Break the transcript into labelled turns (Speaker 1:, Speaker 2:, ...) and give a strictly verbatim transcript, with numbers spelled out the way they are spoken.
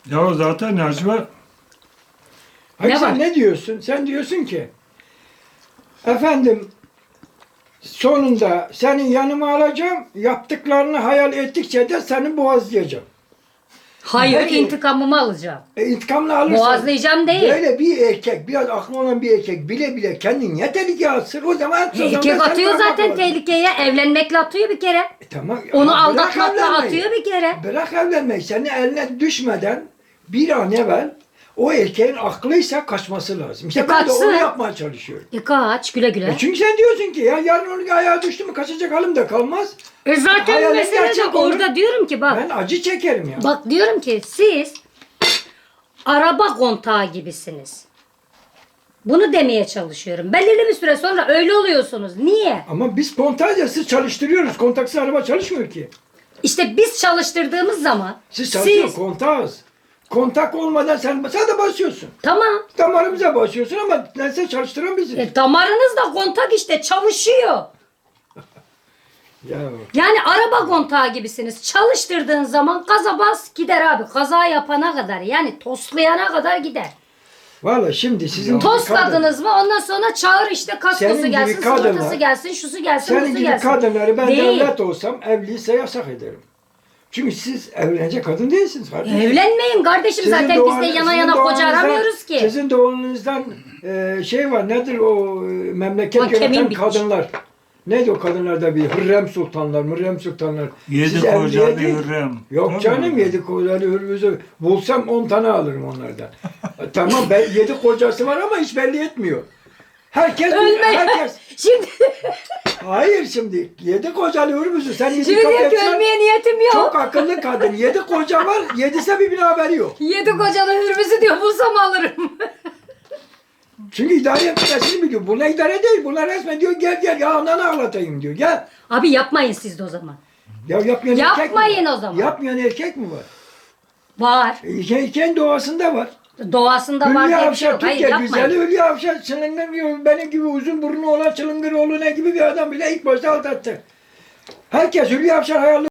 Speaker 1: Ya zaten Necmi
Speaker 2: Hayır
Speaker 3: Ne
Speaker 2: sen
Speaker 3: var?
Speaker 2: ne diyorsun? Sen diyorsun ki efendim sonunda seni yanıma alacağım, yaptıklarını hayal ettikçe de seni boğazlayacağım.
Speaker 3: Hayır,
Speaker 2: Peki.
Speaker 3: intikamımı alacağım.
Speaker 2: E, intikamını alırsan
Speaker 3: Boğazlayacağım değil.
Speaker 2: böyle bir erkek, biraz aklı olan bir erkek bile bile kendini niye tehlikeye atsın? O zaman o zaman
Speaker 3: Erkek
Speaker 2: sen
Speaker 3: atıyor
Speaker 2: bırakmak
Speaker 3: zaten
Speaker 2: lazım.
Speaker 3: tehlikeye. Evlenmekle atıyor bir kere.
Speaker 2: E, tamam.
Speaker 3: Onu
Speaker 2: ama bırak
Speaker 3: aldatmakla
Speaker 2: evlenmeyi.
Speaker 3: atıyor bir kere.
Speaker 2: Bırak evlenmeyi. Senin eline düşmeden bir an evvel o erkeğin aklıysa kaçması lazım. İşte
Speaker 3: E,
Speaker 2: ben de
Speaker 3: kaçsın.
Speaker 2: onu yapmaya çalışıyorum.
Speaker 3: E kaç güle güle.
Speaker 2: E çünkü sen diyorsun ki ya yarın onun ayağa düştü mü kaçacak halim de kalmaz.
Speaker 3: E zaten
Speaker 2: Hayalin
Speaker 3: mesele de
Speaker 2: gerçek olur.
Speaker 3: orada diyorum ki bak.
Speaker 2: Ben acı çekerim ya.
Speaker 3: Bak diyorum ki siz araba kontağı gibisiniz. Bunu demeye çalışıyorum. Belirli bir süre sonra öyle oluyorsunuz. Niye?
Speaker 2: Ama biz kontaksız çalıştırıyoruz. Kontaksız araba çalışmıyor ki.
Speaker 3: İşte biz çalıştırdığımız zaman
Speaker 2: Siz çalışıyorsunuz
Speaker 3: siz
Speaker 2: kontağız. Kontak olmadan sen, sen de basıyorsun.
Speaker 3: tamam.
Speaker 2: Damarımıza basıyorsun ama neyse çalıştıran biziz.
Speaker 3: E, damarınız da kontak işte çalışıyor.
Speaker 2: Ya.
Speaker 3: Yani araba kontağı gibisiniz. Çalıştırdığın zaman gaza bas gider abi. Kaza yapana kadar yani toslayana kadar gider.
Speaker 2: Valla şimdi sizin gibi
Speaker 3: Tosladınız mı ondan sonra çağır işte
Speaker 2: Senin
Speaker 3: kaskosu
Speaker 2: gibi
Speaker 3: gelsin,
Speaker 2: kadınlar-
Speaker 3: sigortası gelsin, şusu gelsin,
Speaker 2: Senin
Speaker 3: busu
Speaker 2: gibi
Speaker 3: gelsin.
Speaker 2: kadınları ben
Speaker 3: Değil.
Speaker 2: devlet olsam evliyse yasak ederim. Çünkü siz evlenecek kadın değilsiniz kardeşim.
Speaker 3: Evlenmeyin kardeşim
Speaker 2: Sizin
Speaker 3: zaten
Speaker 2: doğan-
Speaker 3: biz de yana
Speaker 2: sizin
Speaker 3: yana koca
Speaker 2: doğanınızdan-
Speaker 3: aramıyoruz ki.
Speaker 2: Sizin doğanınızdan e, şey var nedir o e, memleket
Speaker 3: Bak, kemiğim
Speaker 2: yöneten
Speaker 3: bitmiş.
Speaker 2: kadınlar. Neydi o kadınlarda bir Hürrem Sultanlar, Hürrem Sultanlar.
Speaker 1: Yedi
Speaker 2: Siz
Speaker 1: kocalı
Speaker 2: evliye-
Speaker 1: Hürrem.
Speaker 2: Yok
Speaker 1: Tabii.
Speaker 2: canım yedi kocalı Hürrem'i bulsam on tane alırım onlardan. E, tamam ben, yedi kocası var ama hiç belli etmiyor. Herkes,
Speaker 3: Ölme.
Speaker 2: herkes.
Speaker 3: Şimdi,
Speaker 2: Hayır şimdi yedi kocalı Hürrem'i sen yedi
Speaker 3: şimdi diyor ki
Speaker 2: kapatsan-
Speaker 3: ölmeye niyetim yok.
Speaker 2: Çok akıllı kadın. Yedi koca var, yedise bir haberi yok.
Speaker 3: Yedi kocalı hürmüzü diyor bulsam alırım.
Speaker 2: Çünkü idare etmesini biliyor. Buna idare değil. Buna resmen diyor gel gel ya ananı ağlatayım diyor. Gel.
Speaker 3: Abi yapmayın siz de o zaman.
Speaker 2: Ya yapmayan erkek mi
Speaker 3: Yapmayın
Speaker 2: var?
Speaker 3: o zaman.
Speaker 2: Yapmayan erkek mi var?
Speaker 3: Var.
Speaker 2: E, kendi doğasında var.
Speaker 3: Doğasında var
Speaker 2: Hülya
Speaker 3: diye bir şey
Speaker 2: Avşar,
Speaker 3: yok. Hayır
Speaker 2: Türkiye
Speaker 3: yapmayın.
Speaker 2: güzeli Hülya Avşar çılgın benim gibi uzun burnu olan çılgın oğlu ne gibi bir adam bile ilk başta aldattı. Herkes Hülya Avşar hayal